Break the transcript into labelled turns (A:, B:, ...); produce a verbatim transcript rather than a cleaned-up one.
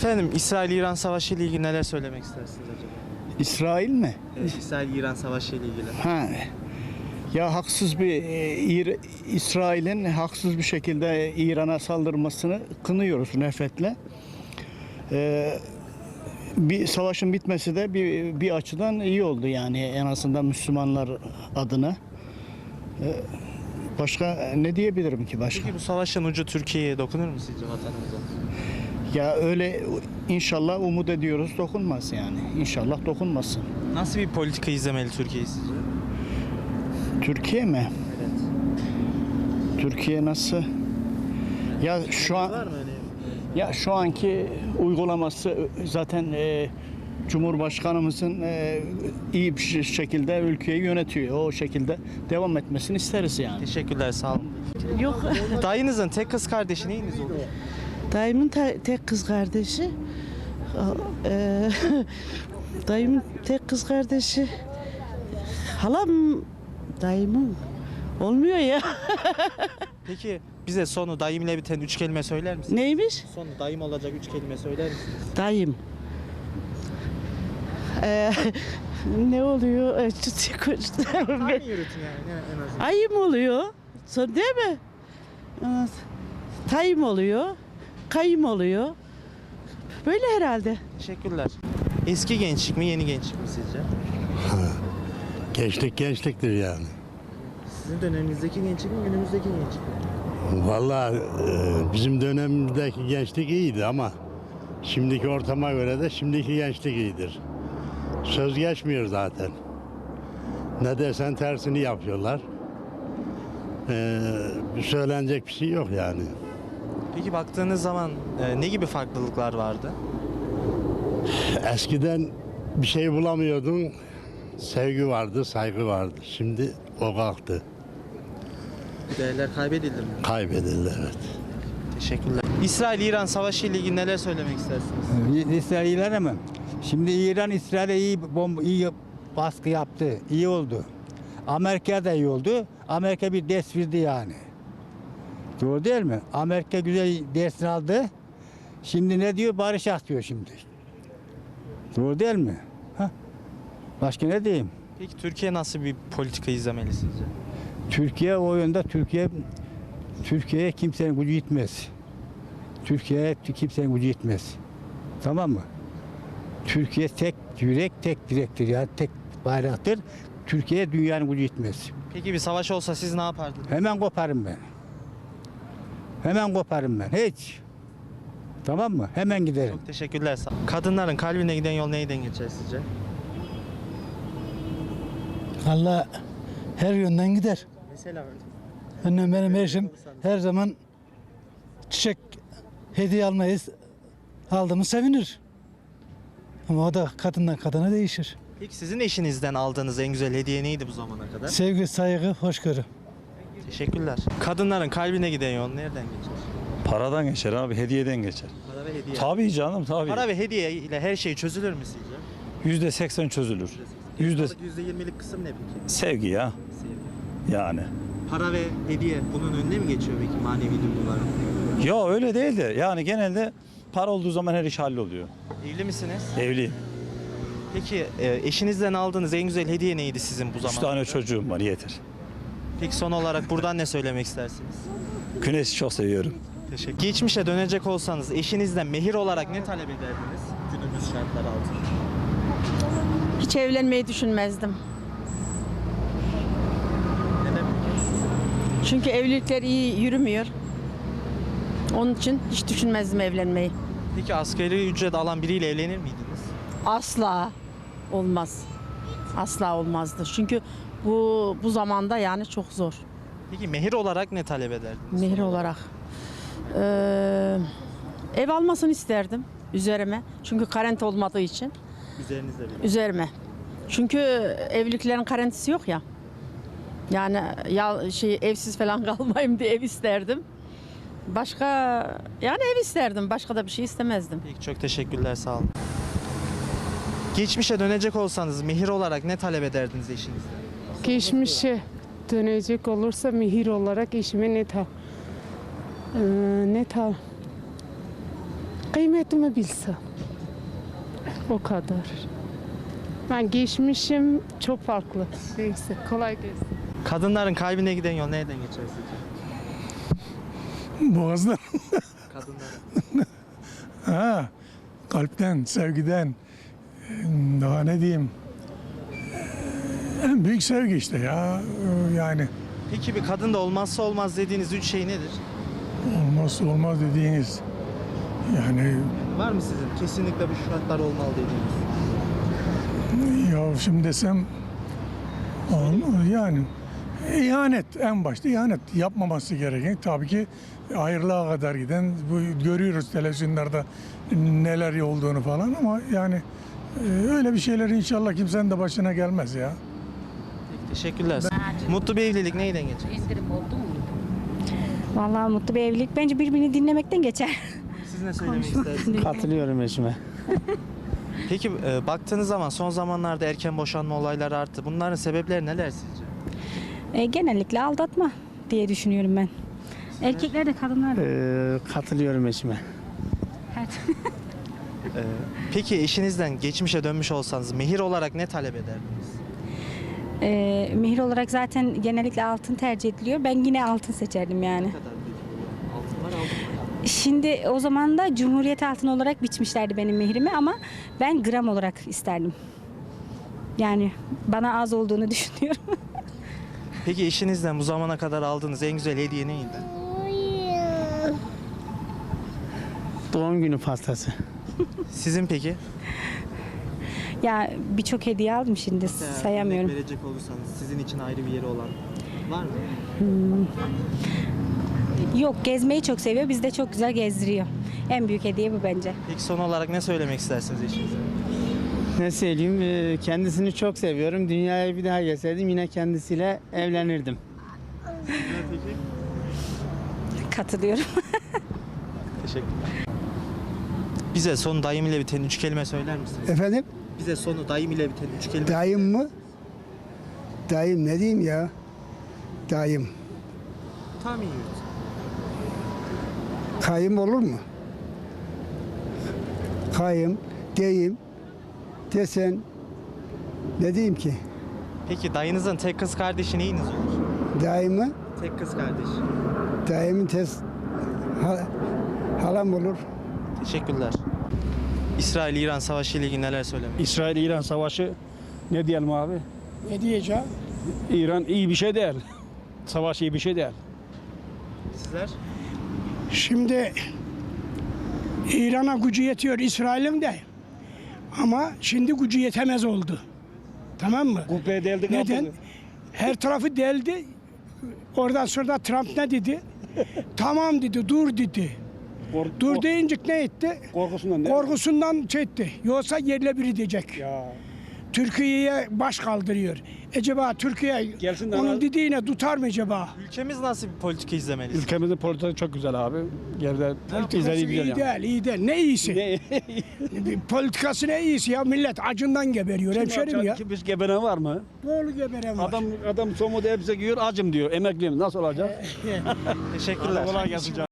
A: Efendim, İsrail-İran Savaşı ile ilgili neler söylemek istersiniz acaba?
B: İsrail mi?
A: Evet, İsrail-İran Savaşı ile ilgili.
B: Ha. Ya haksız bir e, İr- İsrail'in haksız bir şekilde İran'a saldırmasını kınıyoruz nefretle. Ee, bir savaşın bitmesi de bir bir açıdan iyi oldu yani en azından Müslümanlar adına. Ee, başka ne diyebilirim ki başka?
A: Peki bu savaşın ucu Türkiye'ye dokunur mu sizce, vatanımıza?
B: Ya öyle inşallah umut ediyoruz dokunmaz yani. İnşallah dokunmasın.
A: Nasıl bir politika izlemeli Türkiye sizce?
B: Türkiye mi?
A: Evet.
B: Türkiye nasıl? Ya şu an
A: Var mı öyle?
B: ya şu anki uygulaması zaten e, Cumhurbaşkanımızın e, iyi bir ş- şekilde ülkeyi yönetiyor. O şekilde devam etmesini isteriz yani.
A: Teşekkürler, sağ olun.
C: Yok.
A: Dayınızın tek kız kardeşi neyiniz oluyor?
C: Dayımın te- tek kız kardeşi. Eee dayımın tek kız kardeşi. Halam dayımın olmuyor ya.
A: Peki bize sonu dayım ile biten üç kelime söyler misiniz?
C: Neymiş?
A: Sonu dayım olacak üç kelime söyler misiniz?
C: Dayım. Eee, ne oluyor? Eee, çıt-
A: Tahmin yürütün yani en azından.
C: Ayım oluyor. Son değil mi? Evet. Tayım oluyor. Kayım oluyor. Böyle herhalde.
A: Teşekkürler. Eski gençlik mi, yeni gençlik mi sizce?
D: Gençlik gençliktir yani.
A: Sizin döneminizdeki gençlik mi, günümüzdeki gençlik mi?
D: Vallahi e, bizim dönemimizdeki gençlik iyiydi ama şimdiki ortama göre de şimdiki gençlik iyidir. Söz geçmiyor zaten. Ne dersen tersini yapıyorlar. Ee, söylenecek bir şey yok yani.
A: Peki baktığınız zaman e, ne gibi farklılıklar vardı?
D: Eskiden bir şey bulamıyordun, sevgi vardı, saygı vardı. Şimdi o kalktı,
A: Bu değerler kaybedildi mi?
D: kaybedildi evet.
A: Teşekkürler. İsrail-İran Savaşı ile ilgili neler söylemek istersiniz?
E: İsrail'e mi? Şimdi İran İsrail'e iyi bomba, iyi baskı yaptı. İyi oldu. Amerika da iyi oldu. Amerika bir ders verdi yani. Doğru değil mi? Amerika güzel dersini aldı. Şimdi ne diyor? Barışak diyor şimdi. Doğru değil mi? Ha? Başka ne diyeyim?
A: Peki Türkiye nasıl bir politika izlemeli sizce?
E: Türkiye o yönde Türkiye Türkiye'ye kimsenin gücü yetmez. Türkiye'ye kimsenin gücü yetmez. Tamam mı? Türkiye tek yürek, tek direktir yani tek bayraktır. Türkiye'ye dünyanın gücü yetmez.
A: Peki bir savaş olsa siz ne yapardınız?
E: Hemen koparım ben. Hemen koparım ben. Hiç. Tamam mı? Hemen giderim.
A: Çok teşekkürler. Sağ olun. Kadınların kalbine giden yol neyden geçer sizce?
F: Valla her yönden gider.
A: Mesela
F: Annem benim eşim her zaman çiçek hediye almayız. Aldığımız sevinir. Ama o da kadından kadına değişir.
A: Peki sizin eşinizden aldığınız en güzel hediye neydi bu zamana kadar?
F: Sevgi, saygı, hoşgörü.
A: Teşekkürler. Kadınların kalbine giden yol nereden geçer?
G: Paradan geçer abi, hediyeden geçer.
A: Para ve hediye.
G: Tabii canım, tabii.
A: Para ve hediye ile her şey çözülür mü sizce?
G: Yüzde seksen çözülür. Yüzde
A: yüzde yirmilik kısım ne peki?
G: sevgi ya,
A: Sevgi.
G: yani.
A: Para ve hediye bunun önüne mi geçiyor peki manevi duyguların?
G: Ya öyle değil de, yani genelde para olduğu zaman her iş halloluyor.
A: Evli misiniz?
G: Evliyim.
A: Peki e, eşinizden aldığınız en güzel hediye neydi sizin bu
G: Üç
A: zamanda?
G: tane çocuğum var, yeter.
A: Peki son olarak buradan ne söylemek istersiniz?
G: Güneşi çok seviyorum.
A: Teşekkür. Geçmişe dönecek olsanız eşinizden mehir olarak ne talep ederdiniz günümüz şartları altında?
H: Hiç evlenmeyi düşünmezdim.
A: Neden?
H: Çünkü evlilikler iyi yürümüyor. Onun için hiç düşünmezdim evlenmeyi.
A: Peki asgari ücret alan biriyle evlenir miydiniz?
H: Asla olmaz. Asla olmazdı. Çünkü bu bu zamanda yani çok zor.
A: Peki mehir olarak ne talep ederdiniz?
H: Mehir olarak. Ee, ev almasını isterdim üzerime. Çünkü karent olmadığı için.
A: Üzerinizde bir.
H: Üzerime. Çünkü evliliklerin karentisi yok ya. Yani ya şey evsiz falan kalmayayım diye ev isterdim. Başka yani ev isterdim. Başka da bir şey istemezdim.
A: Peki çok teşekkürler, sağ olun. Geçmişe dönecek olsanız mehir olarak ne talep ederdiniz eşinizden?
I: Geçmişe dönecek olursa mihir olarak eşime ne ta e, ne ta Kıymetimi bilsem. O kadar. Ben geçmişim çok farklı. Neyse kolay gelsin.
A: Kadınların kalbine giden yol nereden geçer sizce?
J: Boğazdan.
A: Kadınların.
J: Ha, kalpten, sevgiden, daha ne diyeyim, en büyük sevgi işte ya, yani
A: Peki bir kadında olmazsa olmaz dediğiniz üç şey nedir?
J: olmazsa olmaz dediğiniz, yani
A: Var mı sizin? Kesinlikle bu şartlar olmalı dediğiniz.
J: ya şimdi desem, olmaz yani, ihanet en başta ihanet yapmaması gereken, tabii ki ayrılığa kadar giden, bu görüyoruz televizyonlarda neler olduğunu falan, ama yani e, öyle bir şeyler inşallah kimsenin de başına gelmez ya.
A: Teşekkürler. Mutlu bir evlilik neyden geçer?
K: Vallahi mutlu bir evlilik bence birbirini dinlemekten geçer.
A: Siz ne söylemek istersiniz?
B: Katılıyorum eşime.
A: Peki e, baktığınız zaman son zamanlarda erken boşanma olayları arttı. Bunların sebepleri neler sizce?
K: E, genellikle aldatma diye düşünüyorum ben. Erkekler de kadınlar da.
B: Ee, katılıyorum eşime.
K: Evet.
A: E, peki eşinizden geçmişe dönmüş olsanız mehir olarak ne talep ederdiniz?
K: E, mehir olarak zaten genellikle altın tercih ediliyor. Ben yine altın seçerdim yani.
A: Ne kadar peki? Altınlar aldım mı?
K: Şimdi o zaman da Cumhuriyet altını olarak biçmişlerdi benim mehrimi ama ben gram olarak isterdim. Yani bana az olduğunu düşünüyorum.
A: Peki eşinizden bu zamana kadar aldığınız en güzel hediye neydi?
B: Doğum günü pastası.
A: Sizin peki?
K: Ya birçok hediye aldım şimdi sayamıyorum.
A: Örnek verecek olursanız sizin için ayrı bir yeri olan var mı?
K: Yok, gezmeyi çok seviyor. Bizi de çok güzel gezdiriyor. En büyük hediye bu bence.
A: Peki son olarak ne söylemek istersiniz eşinize?
B: Ne söyleyeyim, ee, kendisini çok seviyorum. Dünyaya bir daha gelseydim yine kendisiyle evlenirdim.
K: Katılıyorum.
A: Teşekkürler. Bize sonu dayım ile biten üç kelime söyler misiniz?
L: Efendim?
A: Bize sonu dayım ile biten üç kelime.
L: Dayım mı? Dayım ne diyeyim ya? Dayım.
A: Tahmin yürüt.
L: Kayım olur mu? Kayım, deyim, desen ne diyeyim ki?
A: Peki dayınızın tek kız kardeşi neyiniz olur?
L: Dayımı,
A: Tek kız kardeş.
L: dayımın tez ha- halam olur.
A: Teşekkürler. İsrail-İran savaşı ile ilgili neler söylemek?
G: İsrail-İran savaşı ne diyelim abi?
L: Ne diyeceğim?
G: İran iyi bir şey değil. Savaş iyi bir şey değil.
A: Sizler?
M: Şimdi İran'a gücü yetiyor İsrail'in de ama şimdi gücü yetemez oldu. Tamam mı?
G: Kubbeye deldik.
M: Neden? Her tarafı deldi. Oradan sonra Trump ne dedi? Tamam dedi, dur dedi. Dur deyince ne etti?
G: Korkusundan
M: Korkusundan şey etti. Yoksa yerle bir edecek.
G: Ya.
M: Türkiye'ye baş kaldırıyor. Acaba Türkiye
G: Gelsin de
M: onun
G: ana-
M: dediğine tutar mı acaba?
A: Ülkemiz nasıl bir politika izlemeli?
G: Ülkemizin politikası çok güzel abi. Geride
M: Politikası
G: izlediği güzel
M: iyi
G: yani.
M: değil, iyi değil. Ne iyisi?
G: Ne?
M: Politikası ne iyisi ya? Millet acından geberiyor hemşerim ya.
G: Kim geberen var mı?
M: Doğru geberen var.
G: Adam adam somuda hepsi giyiyor acım diyor. Emekliyim nasıl olacak?
A: Teşekkürler.
G: Kolay gelsin canım.